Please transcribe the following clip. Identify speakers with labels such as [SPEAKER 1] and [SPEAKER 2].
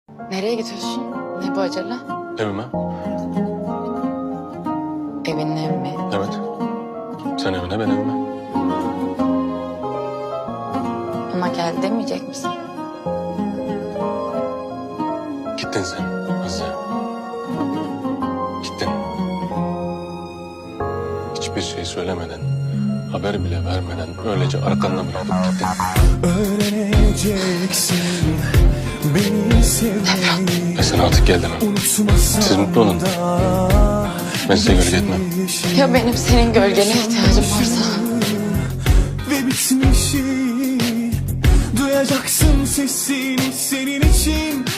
[SPEAKER 1] Nereye gidiyorsun? Ne bu acele?
[SPEAKER 2] Evime.
[SPEAKER 1] Evinin evi mi?
[SPEAKER 2] Evet. Sen evine, ben evime.
[SPEAKER 1] Ama gel demeyecek misin?
[SPEAKER 2] Gittin sen Azize. Gittin. Hiçbir şey söylemeden, haber bile vermeden öylece arkandan bırakıp gittin.
[SPEAKER 3] Öğreneceksin beni sevmeyi.
[SPEAKER 2] Ve sen artık geldin hanım. Siz mutlu olun. Ben size gölge etmem.
[SPEAKER 1] Ya benim senin gölgene ihtiyacım varsa?
[SPEAKER 3] Ve bitmişi duyacaksın sesini senin için